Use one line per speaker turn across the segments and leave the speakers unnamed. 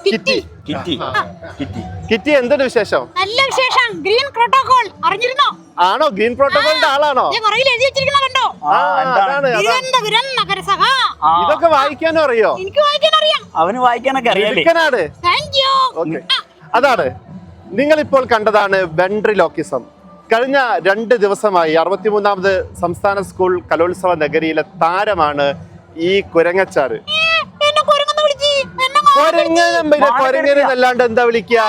Kitty.
Kitty എന്തൊരു വിശേഷം?
നല്ല വിശേഷം. ഗ്രീൻ പ്രോട്ടോകോൾ അറിഞ്ഞിരുന്നോ?
ആണോ? ഗ്രീൻ പ്രോട്ടോകോളിന്റെ ആളാണോ?
കണ്ടോ? നഗരസഭ.
ഇതൊക്കെ വായിക്കാനും അറിയോ?
എനിക്ക് വായിക്കാൻ അറിയാം.
അവന് വായിക്കാനൊക്കെ അറിയാലേ.
അതാണ് നിങ്ങൾ ഇപ്പോൾ കണ്ടതാണ് വെൻട്രിലോക്കിസം. കഴിഞ്ഞ 2 ദിവസമായി 63ാമത് സംസ്ഥാന സ്കൂൾ കലോത്സവ നഗരിയിലെ താരമാണ് ഈ കുരങ്ങച്ചാറ്. കൊരങ്ങനല്ലാണ്ട് എന്താ വിളിക്കുക?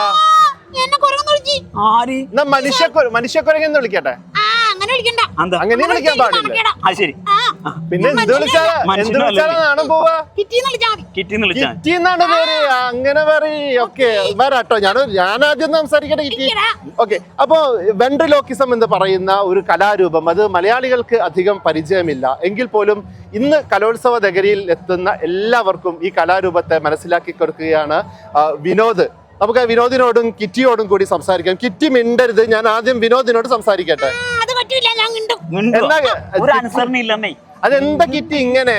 മനുഷ്യക്കുരങ്ങെന്ന് വിളിക്കട്ടെ. അങ്ങനെ വിളിക്കാൻ പാടില്ല. പിന്നെ എന്ത് വിളിച്ചാലും നാണം പോവാ. കിറ്റിന്നാണ് പേര്. അങ്ങനെ പറയൊക്കെ വരാട്ടോ. ഞാൻ ആദ്യം സംസാരിക്കട്ടെ. കിറ്റി. ഓക്കെ. അപ്പോ വെൻട്രിലോക്കിസം എന്ന് പറയുന്ന ഒരു കലാരൂപം, അത് മലയാളികൾക്ക് അധികം പരിചയമില്ല എങ്കിൽ പോലും ഇന്ന് കലോത്സവ നഗരിയിൽ എത്തുന്ന എല്ലാവർക്കും ഈ കലാരൂപത്തെ മനസ്സിലാക്കി കൊടുക്കുകയാണ് വിനോദ്. നമുക്ക് വിനോദിനോടും കിറ്റിയോടും കൂടി സംസാരിക്കാം. കിറ്റി മിണ്ടരുത്. ഞാൻ ആദ്യം വിനോദിനോട് സംസാരിക്കട്ടെ. അതെന്താ കിറ്റി ഇങ്ങനെ?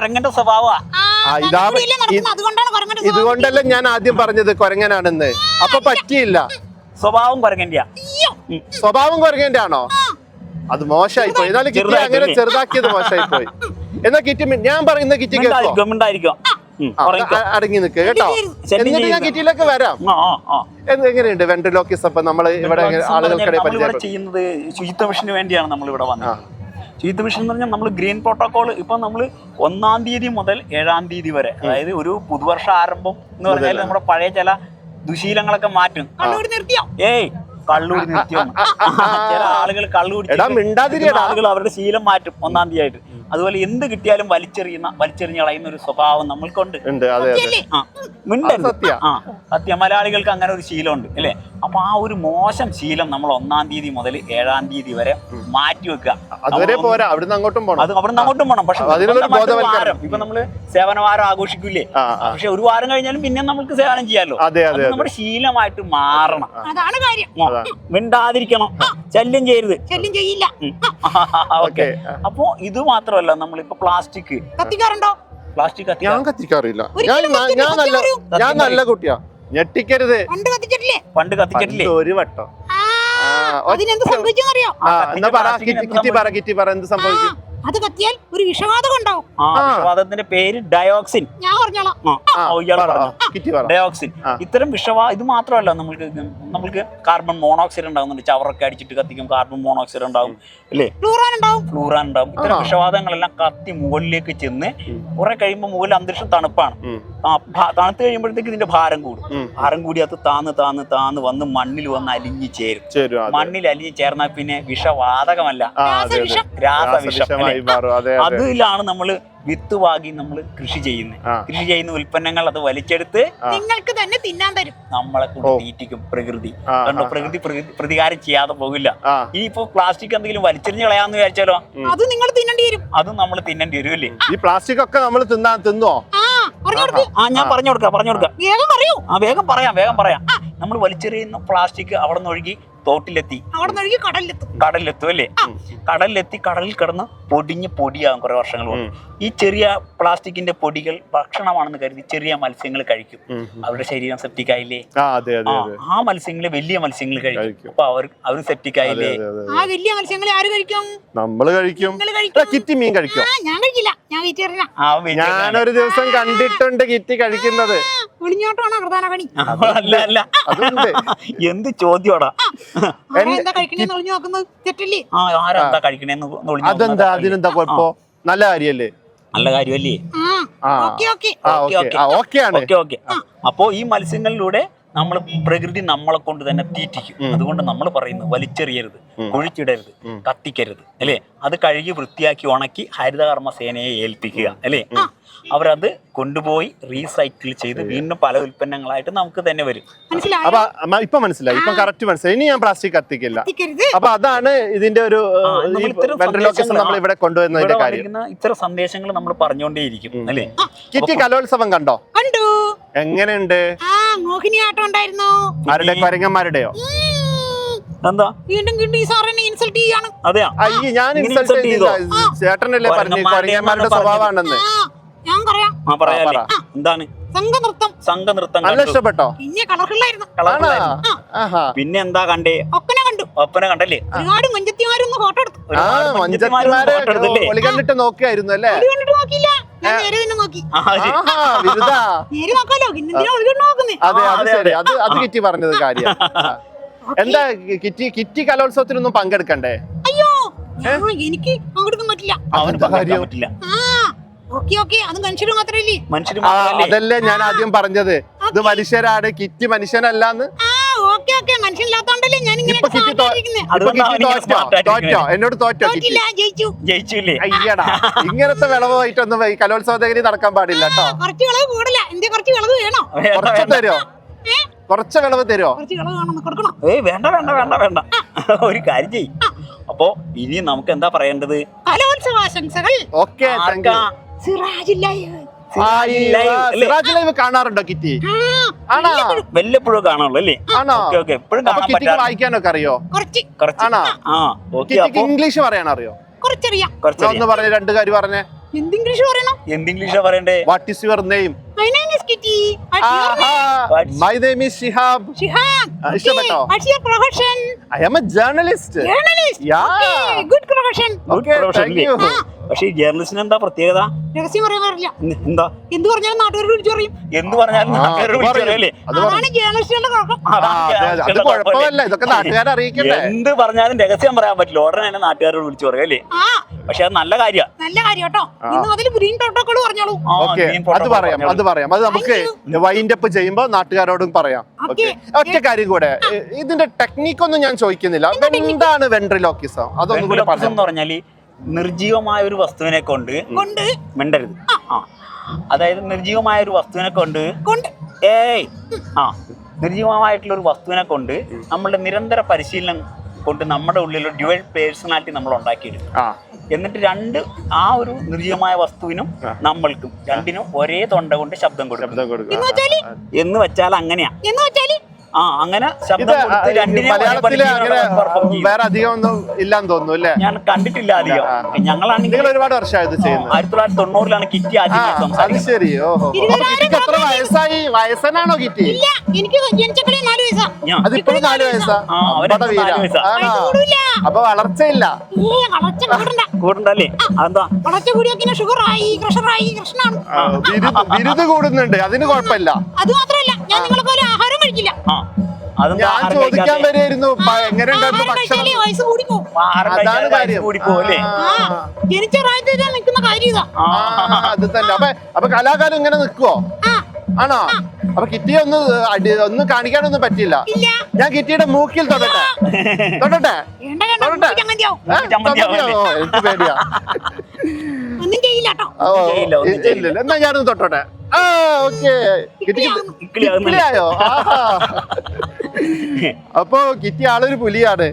ഇതുകൊണ്ടല്ലേ ഞാൻ ആദ്യം പറഞ്ഞത് കൊരങ്ങനാണെന്ന്. അപ്പൊ പറ്റിയില്ല.
സ്വഭാവം
കൊരങ്ങന്റെ ആണോ? അത് മോശമായി പോയി. എന്നാലും കിറ്റി അങ്ങനെ ചെറുതാക്കിയത് മോശമായി പോയി. എന്നാ കിറ്റി ഞാൻ പറയുന്ന കിറ്റി അടങ്ങി നിൽക്കുക കേട്ടോ. എന്നിട്ട് ഞാൻ കിറ്റിയിലേക്ക് വരാം. എങ്ങനെയുണ്ട് വെൻട്രിലോക്കിസം? അപ്പൊ നമ്മള് ഇവിടെ ആളുകൾക്കിടെ
ചെയ്യുന്നത് ശുചിത്വ മിഷന് വേണ്ടിയാണ് നമ്മൾ ഇവിടെ വന്നത്. ശുചിത്വ മിഷൻ എന്ന് പറഞ്ഞാൽ നമ്മൾ ഗ്രീൻ പ്രോട്ടോകോൾ ഇപ്പൊ നമ്മൾ 1-ാം തീയതി മുതൽ 7-ാം തീയതി വരെ, അതായത് ഒരു പുതുവർഷ ആരംഭം എന്ന് പറഞ്ഞാൽ നമ്മുടെ പഴയ ചില ദുശീലങ്ങളൊക്കെ മാറ്റും. കള്ളൂടി നിർത്തിയോ? ചില ആളുകൾ ആളുകൾ അവരുടെ ശീലം മാറ്റും 1-ാം തീയതി ആയിട്ട്. അതുപോലെ എന്ത് കിട്ടിയാലും വലിച്ചെറിഞ്ഞ് കളയുന്ന ഒരു സ്വഭാവം നമ്മൾക്കുണ്ട്. സത്യം. മലയാളികൾക്ക് അങ്ങനെ ഒരു ശീലമുണ്ട് അല്ലേ? അപ്പൊ ആ ഒരു മോശം ശീലം നമ്മൾ 1-ാം തീയതി മുതൽ 7-ാം തീയതി വരെ മാറ്റി വെക്കുക.
അവിടുന്ന് അങ്ങോട്ടും
പോകണം. പക്ഷെ ഇപ്പൊ നമ്മള് സേവനവാരം ആഘോഷിക്കൂലേ? പക്ഷെ ഒരു വാരം കഴിഞ്ഞാലും പിന്നെ നമുക്ക് സേവനം ചെയ്യാലോ. നമ്മുടെ ശീലമായിട്ട് മാറണം.
അതാണ് കാര്യം.
മിണ്ടാതിരിക്കണം. ശല്യം ചെയ്യരുത്.
ശല്യം ചെയ്യില്ല.
ഓക്കെ. അപ്പോ ഇത് മാത്രമല്ല, നമ്മളിപ്പോ പ്ലാസ്റ്റിക് കത്തിക്കാറുണ്ടോ? പ്ലാസ്റ്റിക്
ഞാൻ കത്തിക്കാറില്ല. ഞാൻ നല്ല കുട്ടിയാ. ഞെട്ടിക്കരുത്.
പണ്ട് കത്തിച്ചിട്ടില്ലേ?
ഒരു വട്ടം.
അതിനെന്ത് സംഭവിച്ചെന്നറിയോ?
കിറ്റി പറ എന്ത് സംഭവിക്കും?
അത് കത്തിയാൽ ഒരു വിഷവാതകം ഉണ്ടാവും.
വിഷവാതകത്തിന്റെ പേര് ഡയോക്സിൻ.
ഞാൻ പറഞ്ഞോളാം.
ഡയോക്സിൻ. ഇത്തരം ഇത് മാത്രമല്ല, നമ്മൾക്ക് കാർബൺ മോണോക്സൈഡ് ഉണ്ടാകുന്നുണ്ട്. ചവറൊക്കെ അടിച്ചിട്ട് കത്തിക്കും, കാർബൺ മോണോക്സൈഡ് ഉണ്ടാവും അല്ലേ? ഫ്ലൂറാൻ ഉണ്ടാവും. ഇത്തരം വിഷവാതകങ്ങളെല്ലാം കത്തി മുകളിലേക്ക് ചെന്ന് കുറെ കഴിയുമ്പോൾ മുകളിൽ അന്തരീക്ഷം തണുപ്പാണ്. തണുത്ത് കഴിയുമ്പോഴത്തേക്ക് ഇതിന്റെ ഭാരം കൂടി അത് താന്ന് വന്ന് മണ്ണിൽ വന്ന് അലിഞ്ഞു ചേരും. മണ്ണിൽ അലിഞ്ഞു ചേർന്നാൽ പിന്നെ വിഷവാതകമല്ല, രാസവിഷം. അതിലാണ് നമ്മള് വിത്ത് വാങ്ങി നമ്മൾ കൃഷി ചെയ്യുന്ന ഉൽപ്പന്നങ്ങൾ അത് വലിച്ചെടുത്ത്
നിങ്ങൾക്ക് തന്നെ തിന്നാൻ തരും.
നമ്മളെ കൊണ്ട് തീറ്റിക്കും പ്രകൃതി. കണ്ടോ? പ്രകൃതി പ്രതികാരം ചെയ്യാതെ പോകില്ല. ഇനിയിപ്പോ പ്ലാസ്റ്റിക് എന്തെങ്കിലും വലിച്ചെറിഞ്ഞ് കളയാന്ന് വിചാരിച്ചാലോ?
അത് നിങ്ങൾ തിന്നേണ്ടി വരും.
അതും നമ്മൾ തിന്നേണ്ടി വരും അല്ലേ?
ഈ പ്ലാസ്റ്റിക് ഒക്കെ നമ്മൾ തിന്നോ?
ഞാൻ പറഞ്ഞു കൊടുക്കാം. വേഗം പറയാം. നമ്മൾ വലിച്ചെറിയുന്ന പ്ലാസ്റ്റിക് അവിടെ നിന്ന് ഒഴുകി തോട്ടിലെത്തി, കടലിലെത്തും അല്ലേ? കടലിൽ കിടന്ന് പൊടിയാകും കുറെ വർഷങ്ങൾ കൊണ്ട്. ഈ ചെറിയ പ്ലാസ്റ്റിക്കിന്റെ പൊടികൾ ഭക്ഷണമാണെന്ന് കരുതി ചെറിയ മത്സ്യങ്ങൾ കഴിക്കും. അവരുടെ ശരീരം സെപ്റ്റിക് ആയില്ലേ? ആ മത്സ്യങ്ങളെ വലിയ മത്സ്യങ്ങൾ കഴിക്കും. അപ്പൊ അവർ സെപ്റ്റിക് ആയില്ലേ?
ആ വലിയ മത്സ്യങ്ങളെ ആര് കഴിക്കും?
നമ്മള് കഴിക്കും. കിറ്റി മീൻ കഴിക്കും.
ഞാൻ കഴിക്കില്ല.
ഞാനൊരു ദിവസം കണ്ടിട്ടുണ്ട് കിറ്റി കഴിക്കുന്നത്.
ഒളിഞ്ഞോട്ടാണോ പ്രധാന പണി?
അല്ല. എന്ത് ചോദ്യോടാ?
അതെന്താ? അതിനെന്താ കുഴപ്പം? നല്ല കാര്യല്ലേ?
നല്ല കാര്യമല്ലേ? അപ്പോ ഈ മത്സ്യങ്ങളിലൂടെ നമ്മൾ പ്രകൃതി നമ്മളെ കൊണ്ട് തന്നെ തീറ്റിക്കും. അതുകൊണ്ട് നമ്മൾ പറയുന്നത് വലിച്ചെറിയരുത്, കുഴിച്ചിടരുത്, കത്തിക്കരുത് അല്ലേ? അത് കഴുകി വൃത്തിയാക്കി ഉണക്കി ഹരിതകർമ്മ സേനയെ ഏൽപ്പിക്കുക അല്ലേ? അവരത് കൊണ്ടുപോയി റീസൈക്കിൾ ചെയ്ത് വീണ്ടും പല ഉൽപ്പന്നങ്ങളായിട്ട് നമുക്ക് തന്നെ വരും.
ഇപ്പൊ മനസ്സിലായി. ഇപ്പൊ കറക്റ്റ് മനസ്സിലായി. ഇനി ഞാൻ പ്ലാസ്റ്റിക് കത്തിക്കില്ല. അപ്പൊ അതാണ് ഇതിന്റെ ഒരു നമ്മൾ ഇവിടെ കൊണ്ടുവന്നതിന്റെ കാര്യം.
ഇത്തരം സന്ദേശങ്ങൾ നമ്മൾ പറഞ്ഞുകൊണ്ടേയിരിക്കും അല്ലേ?
കിറ്റി കലോത്സവം കണ്ടോ? എങ്ങനെയുണ്ട്?
മോഹിനിയാട്ടം ഉണ്ടായിരുന്നു.
ആരുടെ? കൊരങ്ങന്മാരുടെയോ?
എന്താ
ഇൻസൾട്ട് ചെയ്യാണ്?
അതെയാ?
അയ്യോ, ഞാൻ ഇൻസൾട്ട് ചെയ്തില്ല. ചേട്ടനല്ലേ പറഞ്ഞു കൊരങ്ങന്മാരുടെ സ്വഭാവമാണെന്ന്.
ഞാൻ പറയാം.
പറയാല്ലേ? എന്താണ്? സംഘനൃത്തം
നല്ല ഇഷ്ടപ്പെട്ടോ?
പിന്നെ കളർഫുള്ളായിരുന്നു.
പിന്നെ എന്താ കണ്ടേ? ഒപ്പന കണ്ടല്ലേ?
ഒരുപാട് മഞ്ചത്തിമാരൊന്ന് ഫോട്ടോ എടുത്തു.
മഞ്ചത്തിമാരെ ഒളി കണ്ടിട്ട് നോക്കിയായിരുന്നു അല്ലേ?
നോക്കിയില്ല, ഞാൻ നേരെ തന്നെ നോക്കി.
വിരുദാ.
നേരെ നോക്കാലോ, പിന്നെന്തിനാ ഒളി കണ്ട് നോക്കുന്നേ?
അതെ, അത് ശരി. അത് കിറ്റി പറഞ്ഞത് കാര്യം. എന്താ കിറ്റി കലോത്സവത്തിനൊന്നും പങ്കെടുക്കണ്ടേ?
അയ്യോ, എനിക്ക് പങ്കെടുക്കാൻ പറ്റില്ല. അത് മനുഷ്യര് മാത്രല്ലേ?
അതല്ലേ ഞാൻ ആദ്യം പറഞ്ഞത്, ഇത് മനുഷ്യരാണ്, കിറ്റി മനുഷ്യനല്ലാന്ന്.
മനുഷ്യനില്ലാത്തോണ്ടല്ലേ ഞാൻ ഇങ്ങനെ
തോറ്റോ? എന്നോട് തോറ്റോ?
ജയിച്ചില്ലേ?
അയ്യടാ, ഇങ്ങനത്തെ വിളവായിട്ടൊന്നും ഈ കലോത്സവ നഗരി നടക്കാൻ പാടില്ല കേട്ടോ.
കുറച്ച് വിളവ് കൂടില്ല, എന്റെ കുറച്ച് വിളവ് വേണോ?
കുറച്ച് തരുമോ? കുറച്ച് വിളവ് തരുമോ?
വേണ്ട ഒരു കാര്യം ചെയ്യും. അപ്പൊ ഇനി നമുക്ക് എന്താ പറയേണ്ടത്?
കലോത്സവാശംസകൾ.
ഓക്കെ, സിറാജ് ലൈവ് കാണാറുണ്ടോ കിറ്റി? ആണോ?
വല്ലപ്പോഴും കാണുള്ളൂ അല്ലേ?
ആണോ?
എപ്പോഴും
വായിക്കാനൊക്കെ അറിയോ? ആണോ? ഇംഗ്ലീഷ് പറയാൻ അറിയോ?
കുറച്ചറിയാം.
ഒന്ന് പറഞ്ഞ രണ്ട് കാര്യം പറഞ്ഞേ.
എന്ത് ഇംഗ്ലീഷ് പറയണം?
എന്ത് ഇംഗ്ലീഷാ പറയണ്ടേ?
What is your name?
My name is Kitty.
My name is Shihab. ഇഷ്ടപ്പെട്ടോ?
What's your profession?
I am a journalist. Yeah.
Okay, good profession.
Okay, thank you.
പക്ഷേ ഈ ജേർണലിസ്റ്റിന് എന്താ പ്രത്യേകത?
രഹസ്യം പറയാൻ പാടില്ല.
എന്താ?
എന്ത് പറഞ്ഞാലും നാട്ടുകാരോട് വിളിച്ചു പറയും.
എന്ത് പറഞ്ഞാലും നാട്ടുകാരോട് വിളിച്ചു പറയല്ലേ?
അതാണ് ജേർണലിസ്റ്റുകളുടെ കുഴപ്പം.
അത് കുഴപ്പമല്ല, ഇതൊക്കെ നാട്ടുകാരെ അറിയിക്കണ്ടേ?
എന്ത് പറഞ്ഞാലും രഹസ്യം പറയാൻ പറ്റില്ല, ഉടനെ തന്നെ നാട്ടുകാരോട് വിളിച്ചു പറയും അല്ലേ? പക്ഷെ അത് നല്ല കാര്യമാണ്.
നല്ല കാര്യം കേട്ടോ. ഇന്ന് അതിൽ ഗ്രീൻ പ്രോട്ടോകോൾ പറഞ്ഞോളൂ.
അത് പറയാം. അത് നമുക്ക് വൈൻഡ് അപ്പ് ചെയ്യുമ്പോ നാട്ടുകാരോടും പറയാം. ഒറ്റ കാര്യം കൂടെ, ഇതിന്റെ ടെക്നിക്ക് ഒന്നും ഞാൻ ചോദിക്കുന്നില്ല. എന്താണ് വെൻട്രിലോക്കിസം? അതൊന്നും കൂടെ
പറഞ്ഞാല് നിർജീവമായ ഒരു വസ്തുവിനെ കൊണ്ട് മിണ്ടരുത്. അതായത് നിർജീവമായ ഒരു വസ്തുവിനെ കൊണ്ട് നിർജീവമായിട്ടുള്ള ഒരു വസ്തുവിനെ കൊണ്ട് നമ്മളുടെ നിരന്തര പരിശീലനം കൊണ്ട് നമ്മുടെ ഉള്ളിൽ ഡ്യുവൽ പേഴ്സണാലിറ്റി നമ്മൾ ഉണ്ടാക്കിയെടുക്കും. എന്നിട്ട് ആ ഒരു നിർജീവമായ വസ്തുവിനും നമ്മൾക്കും രണ്ടിനും ഒരേ തൊണ്ട കൊണ്ട് ശബ്ദം കൊടുക്കും. എന്ന് വെച്ചാൽ അങ്ങനെയാ. അങ്ങനെ ശബ്ദം കൊടുത്ത്
വേറെ അധികം ഒന്നും ഇല്ലാന്ന് തോന്നുന്നു അല്ലേ?
ഞാൻ കണ്ടിട്ടില്ല അധികം. ഞങ്ങളാണെങ്കിൽ
ഒരുപാട് വർഷമായത് ചെയ്യുന്നത്.
1990 കിറ്റി ആദ്യം.
അത് ശരി. എത്ര വയസ്സായി? വയസ്സനാണോ കിറ്റി? അതിപ്പോഴും 4 വയസ്സാ. അപ്പൊ വളർച്ചയില്ല.
കൂടണ്ടല്ലേ? അതെന്താ?
ബിരുദ് കൂടുന്നുണ്ട്, അതിന് കുഴപ്പമില്ല.
അത് മാത്രമല്ല, ഞാൻ നിങ്ങളെ പോലെ ആഹാരം കഴിക്കില്ല.
ഞാൻ ചോദിക്കാൻ വരെയായിരുന്നു എങ്ങനെ ഉണ്ടായിരുന്നു ഭക്ഷണം. അതാണ് കാര്യം.
ജനിച്ച പ്രായത്തിൽ നിൽക്കുന്ന കാര്യം.
അത് തന്നെ. അപ്പൊ കലാകാലം ഇങ്ങനെ നിൽക്കുവോ? ആണോ? അപ്പൊ കിറ്റിയെ ഒന്ന് കാണിക്കാനൊന്നും പറ്റില്ല. ഞാൻ കിറ്റിയുടെ മൂക്കിൽ തൊടട്ടെ? എനിക്ക് പേടിയാ. എന്നാ ഞാനൊന്ന് തൊട്ടോട്ടെ. കിറ്റിയായോ? അപ്പൊ കിറ്റി ആളൊരു പുലിയാണ്.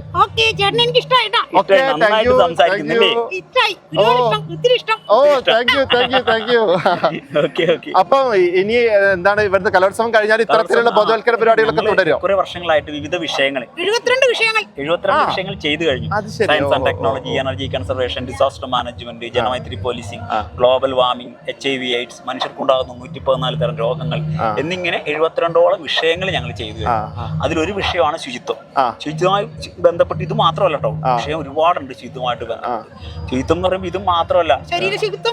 അപ്പൊ ഇനി എന്താണ് ഇവിടുത്തെ കലോത്സവം കഴിഞ്ഞാൽ ഇത്തരത്തിലുള്ള ബോധവൽക്കരണ പരിപാടികളൊക്കെ തുടരും?
കുറെ വർഷങ്ങളായിട്ട് വിവിധ വിഷയങ്ങൾ
72 വിഷയങ്ങൾ
ചെയ്തു കഴിഞ്ഞു. Science and technology, energy conservation, disaster management, Janamaithri policing, global warming, HIV AIDS, മനുഷ്യർക്കുണ്ടാകുന്ന 114 തരം രോഗങ്ങൾ എന്നിങ്ങനെ 72ഓളം വിഷയങ്ങൾ ഞങ്ങൾ ചെയ്തു കഴിഞ്ഞു. അതിലൊരു വിഷയമാണ് ശുചിത്വം. ശുചിത്വമായി ബന്ധപ്പെട്ട് ഇത് മാത്രമല്ല കേട്ടോ, വിഷയം ഒരുപാടുണ്ട് ശുചിത്വമായിട്ട് ബന്ധപ്പെട്ട്. ശുചിത്വം എന്ന് പറയുമ്പോൾ ഇത് മാത്രമല്ല, ശരീര ശുചിത്വം,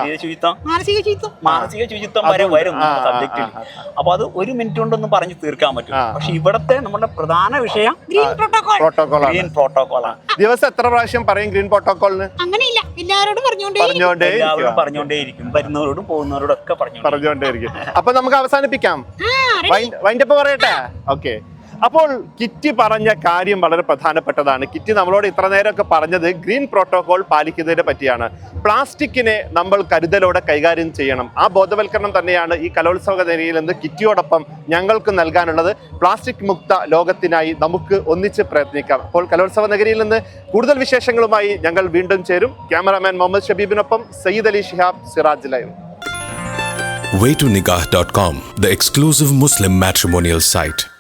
മാനസിക ശുചിത്വം വരെ വരും സബ്ജക്റ്റിൽ. അപ്പൊ അത് 1 മിനിറ്റ് കൊണ്ടൊന്നും പറഞ്ഞു തീർക്കാൻ പറ്റും. പക്ഷെ ഇവിടത്തെ നമ്മുടെ പ്രധാന വിഷയം ഗ്രീൻ പ്രോട്ടോകോളാണ്.
ദിവസം എത്ര പ്രാവശ്യം പറയും ഗ്രീൻ പ്രോട്ടോകോളിന്?
അങ്ങനെയില്ല, എല്ലാവരോടും
പറഞ്ഞുകൊണ്ടേയിരിക്കും. വരുന്നവരോടും പോകുന്നവരോടും ഒക്കെ പറഞ്ഞുകൊണ്ടേയിരിക്കും.
അപ്പൊ നമുക്ക് അവസാനിപ്പിക്കാം. വൈൻഡപ്പ് പറയട്ടെ? ഓക്കെ. അപ്പോൾ കിറ്റി പറഞ്ഞ കാര്യം വളരെ പ്രധാനപ്പെട്ടതാണ്. കിറ്റി നമ്മളോട് ഇത്ര നേരമൊക്കെ പറഞ്ഞത് ഗ്രീൻ പ്രോട്ടോകോൾ പാലിക്കുന്നതിനെ പറ്റിയാണ്. പ്ലാസ്റ്റിക്കിനെ നമ്മൾ കരുതലോടെ കൈകാര്യം ചെയ്യണം. ആ ബോധവൽക്കരണം തന്നെയാണ് ഈ കലോത്സവ നഗരിയിൽ നിന്ന് കിറ്റിയോടൊപ്പം ഞങ്ങൾക്ക് നൽകാനുള്ളത്. പ്ലാസ്റ്റിക് മുക്ത ലോകത്തിനായി നമുക്ക് ഒന്നിച്ച് പ്രയത്നിക്കാം. അപ്പോൾ കലോത്സവ നഗരിയിൽ നിന്ന് കൂടുതൽ വിശേഷങ്ങളുമായി ഞങ്ങൾ വീണ്ടും ചേരും. ക്യാമറാമാൻ മുഹമ്മദ് ഷബീബിനൊപ്പം Sayyid Ali Shihab, Siraj live.
waytonikah.com, the exclusive Muslim matrimonial site.